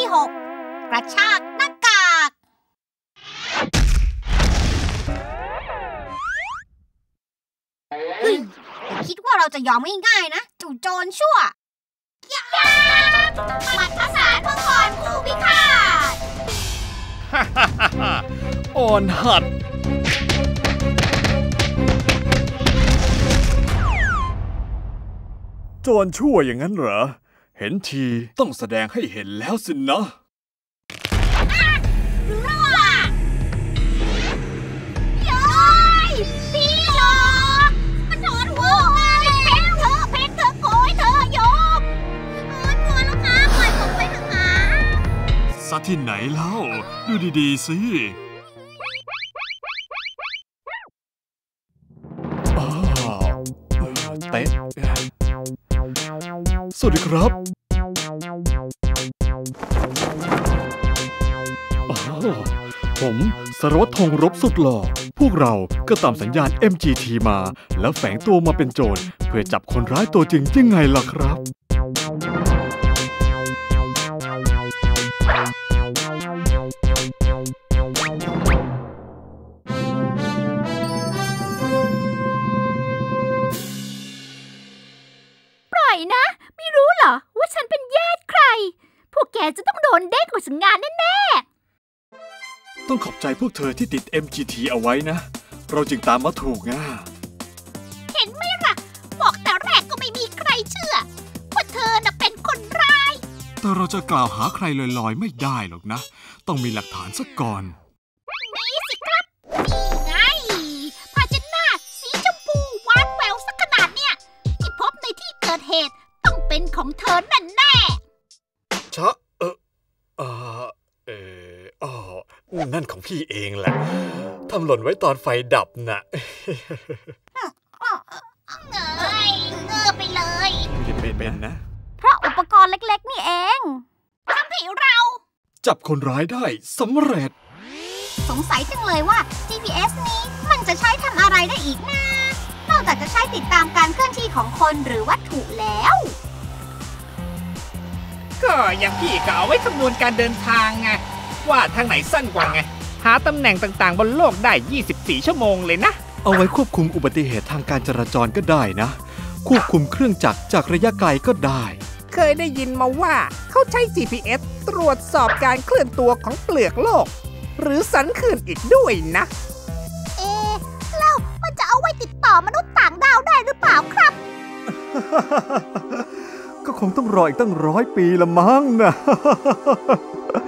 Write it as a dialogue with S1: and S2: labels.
S1: 6กระชากหน้ากากเฮ้ยคิดว่าเราจะยอมง่ายๆนะจู่โจรชั่วหมัดภาษามังกรผู้พิฆาต
S2: อ่อนหัดโจรชั่วอย่างนั้นเหรอเห็นทีต้องแสดงให้เห็นแล้วสินะ
S1: พี่หลอกมันโดนหัวมาเพชรเธอโกยเธอยกกลัวแล้วค่ะปล่อยผมไปเถอะค่ะ
S2: ซะที่ไหนเล่าดูดีๆสิเต๊ะสวัสดีครับผมสารวัตรธงรบสุดหล่อพวกเราก็ตามสัญญาณ MGT มาแล้วแฝงตัวมาเป็นโจรเพื่อจับคนร้ายตัวจริงยังไงล่ะครับ
S3: ปล่อยนะไม่รู้เหรอว่าฉันเป็นญาติใครพวกแกจะต้องโดนเด้งออกจากงานแน่
S2: ๆต้องขอบใจพวกเธอที่ติด MGT เอาไว้นะเราจึงตามมาถูกง่า
S1: เห็นไหมล่ะบอกแต่แรกก็ไม่มีใครเชื่อว่าเธอน่ะเป็นคนร้าย
S2: แต่เราจะกล่าวหาใครลอยๆไม่ได้หรอกนะต้องมีหลักฐานซะก่อน
S1: นี่สิครับนี่ไงผ้าเช็ดหน้าสีชมพูหวานแหววสักขนาดเนี่ยที่พบในที่เกิดเหตุต้องเป็นของเธอแน่
S2: ชะนั่นของพี่เองแหละทำหล่นไว้ตอนไฟดับน่ะ
S1: เงยไปเลย
S2: เป็นนะ
S1: เพราะอุปกรณ์เล็กๆนี่เองทำให้เรา
S2: จับคนร้ายได้สำเร็จ
S1: สงสัยจังเลยว่า GPS นี้มันจะใช้ทำอะไรได้อีกนะนอกจากจะใช้ติดตามการเคลื่อนที่ของคนหรือวัตถุแล้ว
S4: ก็อย่างพี่ก็เอาไว้คำนวณการเดินทางไงว่าทางไหนสั้นกว่าไงหาตำแหน่งต่างๆบนโลกได้24ชั่วโมงเลยนะ
S2: เอาไว้ควบคุมอุบัติเหตุทางการจราจรก็ได้นะควบคุมเครื่องจักรจากระยะไกลก็ได้
S4: เคยได้ยินมาว่าเขาใช้ GPS ตรวจสอบการเคลื่อนตัวของเปลือกโลกหรือสันเขื่อนอีกด้วยนะ
S1: แล้วมันจะเอาไว้ติดต่อมนุษย์ต่างดาวได้หรือเปล่าครับ
S2: ก็คงต้องรออีกตั้ง100 ปีละมั้งนะ